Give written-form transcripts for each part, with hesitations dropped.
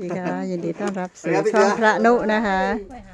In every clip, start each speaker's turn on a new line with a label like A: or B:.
A: ดีค่ะยินดีต้อนรับสู่ช่องพระนุนะคะ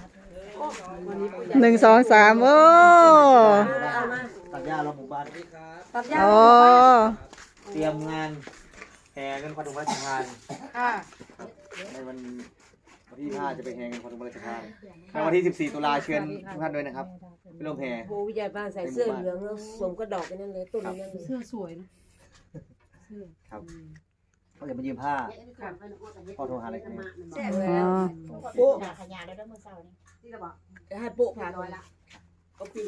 A: 1 2 3โอ้
B: ตัดหญ้าเราหมู่บ้าน
A: โอ้
B: เตรียมงานแห่เงินขวัญถุงพระราชทานในวันที่5จะไปแห่เงินขวัญถุงพระราชทานในวันที่14ตุลาเชิญทุกท่านด้วยนะครับไปร่วมแห่
C: โบวิญญาณบ้านใส่เสื้อเหลืองแล้วสวมกระดอกไปนั่นเลยต้นนี้นั่นเลย
D: เสื้อสวยนะ
B: ครับเขาจะมายืมผ้าพ่อโทรหาอะไรกัน
C: แซ่บ
A: อ๋
C: แล้ว
A: อ
C: โป๊ะ
E: ขยาได้ด้วยมือเศร้านี่
C: จะให้โป๊ะผ่านน้อยละก็ปี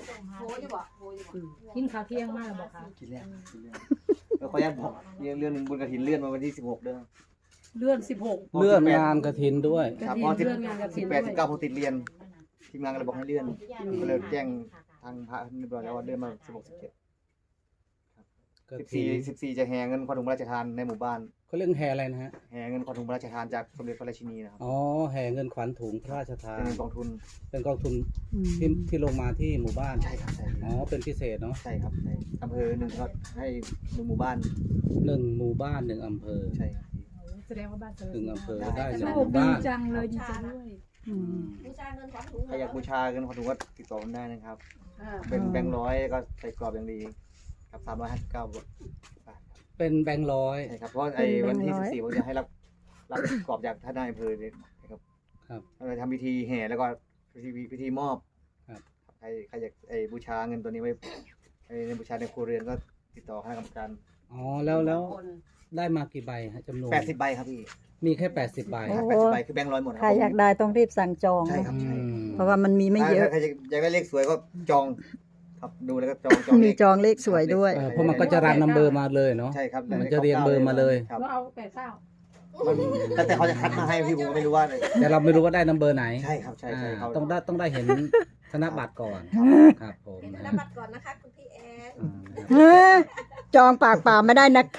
D: กินข้าวเที่ยงมากเลยบอกค่ะ
B: กินแล้วแล้วขออนุญาตบอกเรื่องหนึ่งบุญกฐินเลื่อนมาวันที่16เด้อ
D: เลื่อน16
F: เลื่อนงานกระถินด้วย
B: ครับเพราะ
D: เลื่อนงานกฐิน
B: 18 19ผมติดเรียนทีมงานก็เลยบอกให้เลื่อนก็เลยแจ้งทางพระเรียบร้อยแล้วว่าเลื่อนมา16 17
F: กระถิน
B: 14จะแห่เงินขวัญถุงพระราชทานในหมู่บ้าน
F: เขาเรื่องแห่อะไรนะฮะ
B: แห่เงินขวัญถุงพระราชทานจากสมเด็จพระราชินีนะครับ
F: อ๋อแห่เงินขวัญถุงพระราชทาน
B: เป็นกองทุน
F: เป็นกองทุน
A: อืม
F: ที่ลงมาที่หมู่บ้าน
B: ใช่ครับใช่
F: อ๋อเป็นพิเศษเนาะ
B: ใช่ครับในอำเภอหนึ่งก็ให้หนึ่งหมู่บ้าน
F: 1 หมู่บ้าน 1 อำเภอ
B: ใช่ครับ
D: แสดงว่าบ้านเจอ
F: 1 อำเภอได้
D: โช
F: 1 ห
D: ค
F: มู่
D: ดี
F: บ้าน
D: จังเลยดีใจด้วย
A: อืม
B: ใครอยากบูชาเงินขวัญถุงก็ติดต่อผมได้นะครับ เป็นแบงค์ร้อยก็ใส่กรอบอย่างดีครับ359 บาท
F: เป็นแบงค์ร้อย
B: ใช่ครับเพราะไอ้วันที่14ผมจะให้รับกรอบจากท่านนายอำเภอเลยนะครับ
F: ครับ
B: เราจะทำพิธีแห่แล้วก็พิธีมอบ
F: ครับ
B: ใครอยากบูชาเงินตัวนี้ไว้ในบูชาในครัวเรือนก็ติดต่อคณะกรรมการ
F: อ๋อแล้วได้มากี่ใบฮะจำนวน
B: 80 ใบครับพี่
F: มีแค่80 ใบ
B: ครับ80 ใบคือแบงค์ร้อยหมดค
A: ใคร
B: รับ
A: อยากได้ต้องรีบสั่งจอง
B: ใช่ครับ
F: อื
B: ใช่
F: ม
A: เพราะว่ามันมีไม่เยอะ
B: ถ้าใครอยากได้เลขสวยก็จองครับดูแล้วก็จอง
A: มีจองเลขสวยด้วย
F: เพราะมันก็จะรันนัมเบอร์มาเลยเนาะ
B: ใช่ครับ
F: มันจะเรียงเบอร์มาเลย
B: ครับ
D: ก็เอา8 9
B: แต่เขาจะคัดมาให้พี่ผมก็ไม่รู้ว่า
F: แต่เราไม่รู้ว่าได้นัมเบอร์ไหน
B: ใช่ครับใช่ใช่เขา
F: ต้องได้เห็นธนบัตรก่อนครับผม
C: เป็นธ
F: นะ
C: นบัตรก่อนนะคะคุณพี่แอน
A: เฮ้ยจองปากเปล่าไม่ได้นะคะ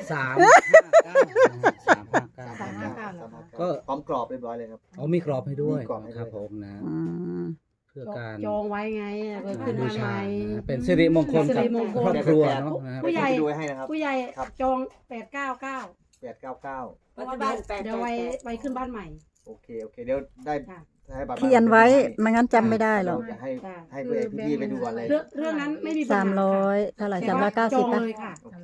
F: ก็
B: พร้อมกรอบเรียบร้อยเลยครับ
F: เอามีกรอบให้ด้วย
B: มีกรอบให้ด้วย
F: ครับผมนะ
A: อืม
F: เพื่อการ
D: จองไว้ไงไปขึ้น
F: บู
D: มาให
F: ชา
D: ม่
F: นะเป็นสิริมงคล
D: สิ
F: กับ
D: ริมงคล
F: ครอบครัวเนาะนะครับ
D: ผู้ใหญ่
B: เดี๋ยวผมจะดูให้นะครับ
D: ผู้ใหญ่
B: ครับ
D: จอง899
B: 899
C: ปัจจุบัน8
D: เดี๋ยวไว้ขึ้นบ้านใหม่
B: โอเคเดี๋ยวได้
D: ค่ะ
B: ให้บัตร
A: เขียนไว้ไม่งั้นจำไม่ได้หรอก
B: เราจะให้
D: ค่ะ
B: ให้พี่ไปดูก่อนเลย
D: เรื่องนั้นไม่มีปัญหา
A: 300เท่าไหร่
D: แต่ว่าจอง
A: 390นะ
D: เลยค่ะ
B: โอเค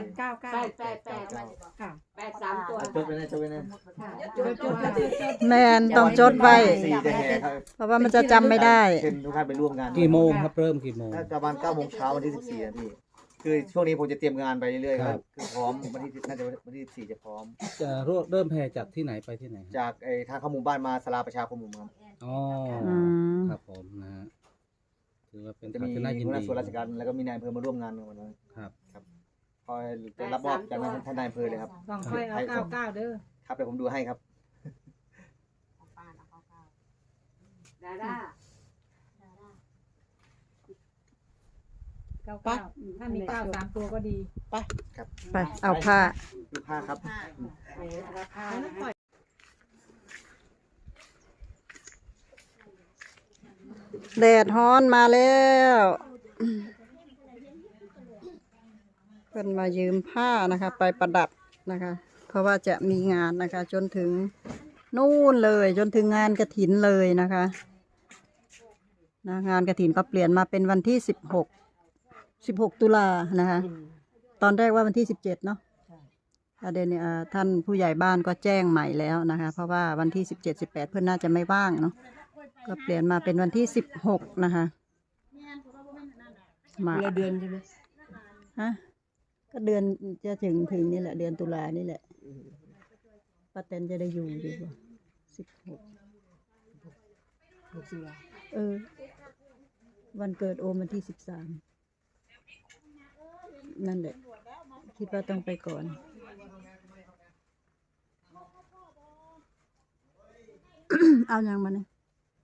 D: 899ค่ะ
C: 8 3ตัว
B: จดไปนะจดไปนะ
A: แมนต้องจดไว้
B: สี่จะแห่ครับ
A: เพราะว่ามันจะจำไม่ได้
B: เชิญทุกท่านไปร่วมงาน
F: กี่โมงครับเริ่มกี่โมง
B: น่าจะประมาณ9 โมงเช้าวันที่14นะพี่คือช่วงนี้ผมจะเตรียมงานไปเรื่อยๆค
F: ครั
B: รับบ คือพร้อมวันที่น่าจะวันที่14จะพร้อม
F: จะเริ่มแห่จากที่ไหนไปที่ไหนครับ
B: จากทางเข้าหมู่บ้านมาศาลาประชาคมหมู่ครับ
F: อ๋อ
A: อืม
F: ครับผมนะฮะถือว่าเป็น
B: จะ
F: ข่าว
B: มี
F: ที่น่ายิน
B: หัวหน้า
F: ดี
B: ส่วนราชการแล้วก็มีนายอำเภอมาร่วมงานในวันนั้น
F: ครับ
B: คอยจะรับมอบจากท่านนายอำเภอเลยครับ
D: ต้องค่อยเอา99เด้อ
B: ครับเดี๋ยวผมดูให้ครับ
C: ดาด้า
D: 99ถ้ามี9 3ตัวก็ดี
A: ไปเอาผ้า
B: ดูผ้าครับ
D: ราคานะคะ
A: แดดฮ้อนมาแล้วเพิ่นมายืมผ้านะคะ ไปประดับนะคะ เพราะว่าจะมีงานนะคะ จนถึงนู่นเลยจนถึงงานกฐินเลยนะคะนะงานกฐินก็เปลี่ยนมาเป็นวันที่16 ตุลานะคะ ตอนแรกว่าวันที่17เนาะประเด็นเนี่ยท่านผู้ใหญ่บ้านก็แจ้งใหม่แล้วนะคะ เพราะว่าวันที่17 18เพื่อนน่าจะไม่ว่างเนาะก็เปลี่ยนมาเป็นวันที่16นะคะมา
C: เดือนใช่ไหม
A: ฮะก็เดือนจะถึงนี่แหละเดือนตุลานี่แหละป้าแตนจะได้อยู่ดีกว่า16
C: ตุลา
A: วันเกิดโอมวันที่13นั่นแหละคิดว่าต้องไปก่อน เอายังมาเนี่ย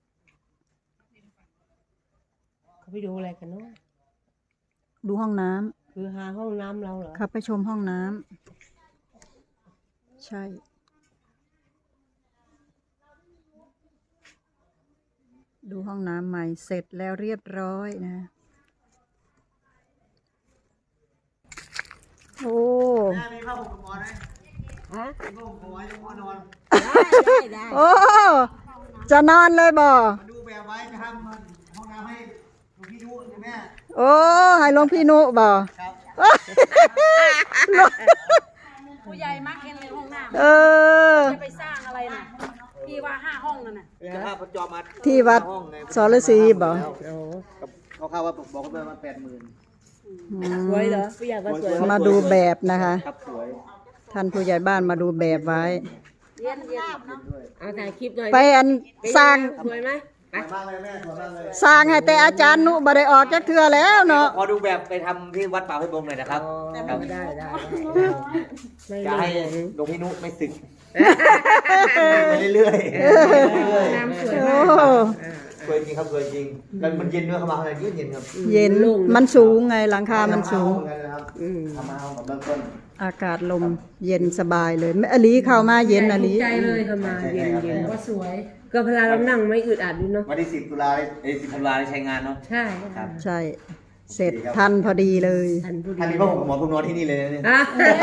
C: เขาไปดูอะไรกันเนาะ
A: ดูห้องน้ำ
C: คือหาห้องน้ำเราเหรอ
A: ครับไปชมห้องน้ำใช่ ดูห้องน้ำใหม่เสร็จแล้วเรียบร้อยนะ โอ้
C: ฮะ
B: ลูกเอาไว้จะพ่อนอน
C: ได้
A: โอ้จะนอนเลยบ่
B: มาดูแบบไว้จะทำห้องน้ำให้หลวงพี่ยุใช่ไหม
A: โอ้ให้หลวงพี่นุบ่
B: ครับ
D: ผู้ใหญ่มักเห็นเลยห้องน้
A: เออ
D: ำจะไปสร้างอะไรน่ะพี่ว่า5 ห้องนั่นน่ะ
B: จะพาพระจอมมา
A: ที่วัด
B: ห้องไง
A: สรศรีบ่
C: โอ้
B: เขาเข้าว่าบอกเขาไปมา80,000
C: สวยเหรอผู้ใหญ่ว่าสวย
A: มาดูแบบนะคะ
B: ครับสวย
A: ท่านผู้ใหญ่บ้านมาดูแบบไว้
D: เย็นเย็น
C: เอาถ่ายคลิปหน่อย
A: ไปอันสร้าง
C: สวยไหม
B: สวยมากเลยแม่สวยมากเลย
A: สร้างให้แต่อาจารย์นุบ่ได้ออกจักเทื่อแล้วเนาะ
B: ขอดูแบบไปทำที่วัดป่าห้วยบงหน่อยนะครับ
C: ได้ได้ไม่
B: จะ
C: ได้
B: ให้หลวงพี่นุไม่สึกไปเรื่อยๆ
D: น้ำสวย
A: โอ้
D: มาก
B: สวยจริงครับสวยจริงแล้วมันเย็นด้วยเข้ามาข้างในเย็นครับ
A: เย็นมันสูงไงหลังคามันสูง
B: ทำมาเอาเหมือนกันนะครับทำมาเอาแบบเริ่มต้น
A: อากาศลมเย็นสบายเลยแม่อลีเข้ามาเย็นอลี
C: ใจเลยเข้ามาเย็นเย็น
D: ว่าสวย
C: ก็เวลาเรานั่งไม่อึดอัดด้วยเนาะ
B: วันที่10 ตุลา10 ธันวาได้ใช้งานเนาะ
C: ใช่
B: ครับ
A: ใช่ เสร็จทันพอดีเลย
C: ทันพูด
B: ถ้ามีผ้าห่มหมอนผมนอนที่นี่เลยนะเนี่ย
C: อ่ะ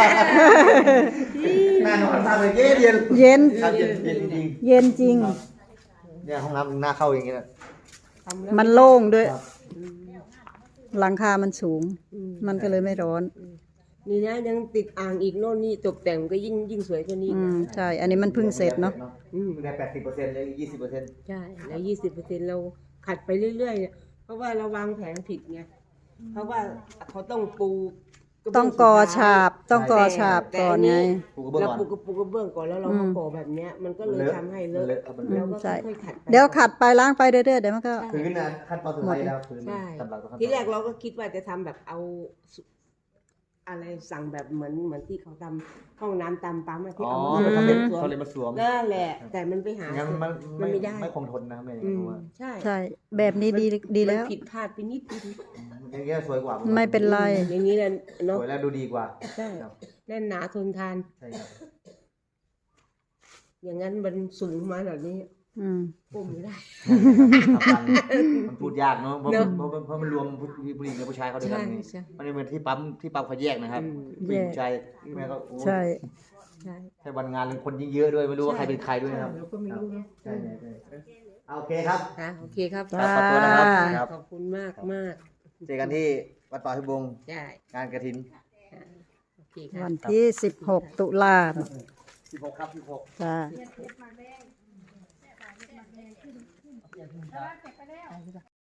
B: น่านอนมากเลยเย็นเย็น
A: เย็น
B: ครับเย็นเย็นจริง
A: เย็นจริง
B: ๆเนี่ยห้องน้ำหน้าเข้าอย่างเงี้ย
C: ทำแล้ว
A: มันโล่งด้วย
B: ครับ
A: หลังคามันสูง มันก็เลยไม่ร้อน
C: นี่นะยังติดอ่างอีกโน่นนี่ตกแต่งก็ยิ่งสวยกว่านี้
A: ใช่ อันนี้มันเพิ่งเสร็จเนาะ
B: ได้80%เลย20%
C: ใช่แล้ว20%เราขัดไปเรื่อยๆเนี่ยเพราะว่าเราวางแผนผิดไงเพราะว่าเขาต้องปูกระเบื้
A: ต้องกอฉาบ ต้องกอฉาบก่อนไง
B: ปูกระเบื้อง
C: เรา
B: ก่อน
C: ปูกระเบื้องก่อนแล้วเรามาก่อแบบเนี้ยมันก็เลยทำให้เลอะ
B: ครับมัน
C: แล้
B: เล
C: ว
B: อะ
C: ก็
A: ใช่
C: ค่อยๆขัดไป
A: เดี๋ยวขัดไปล้างไปเรื่อยๆเดี๋ยวมันก็
B: พื้นนะขั้นตอนสุดท้ายแล้วพื้น
C: ใช่
B: สำหรับขั้นตอน
C: ที่แรกเราก็คิดว่าจะทำแบบเอาอะไรสั่งแบบเหมือนที่เขาทำห้องน้ำตามปั๊มอะที่
B: อ๋อ
C: เอามา
B: เขา
C: สวม
B: เลยมาสวม
C: นั่นแหละ แต่มันไปหา
B: งั้นมัน
C: มันไม่ได้
B: ไม่คงทนนะแม่
C: อืม
B: ผมว่า
C: ใช่
A: ใช่ แบบนี้ดีแล้ว
C: มันผิดพลาดไปนิดนึง
B: อย่างเงี้ยสวยกว่า
A: ไม่เป็นไร
C: อย่างนี้แหละ
B: ส
C: เนาะ
B: วยแล้วดูดีกว่า
C: ใช่
B: ครับ
C: แน่นหนาทนทาน
B: ใช่ครับ
C: อย่างนั้นมันสูงมาแบบนี้
A: อืม
C: ก้มไม่ได้
B: มันพูดยากเนาะเพราะ
C: เนอะ
B: เพราะมันรวมผู้หญิงกับผู้ชายเขาด้วยกัน
C: ใช่
B: ไง
C: ใช่
B: มันไม่เหมือนที่ปั๊มเขาแยกนะครับ
C: อืม
B: ผู้หญิงผู้ชายแม่ก็โอ้
A: ใช่
C: ใช่
B: ใช่วันงานเลยคนยิ่งเยอะด้วยไม่รู้ว่าใครเป็นใครด้วยนะครับ
D: เราก็ไม่รู้เนาะ
B: ใช่ใช่โอเคครับ
C: ค่ะโอเคครับ
A: จ้า
B: ขอบคุณนะครับครับ
C: ขอบคุณมากมาก
B: เจอกันที่วัดป่าพิบง
C: ใช่
B: งานกระถิน
C: โอเคค่ะ
A: วันที่ 16 ตุลา
B: 16ครับ16
A: จ้า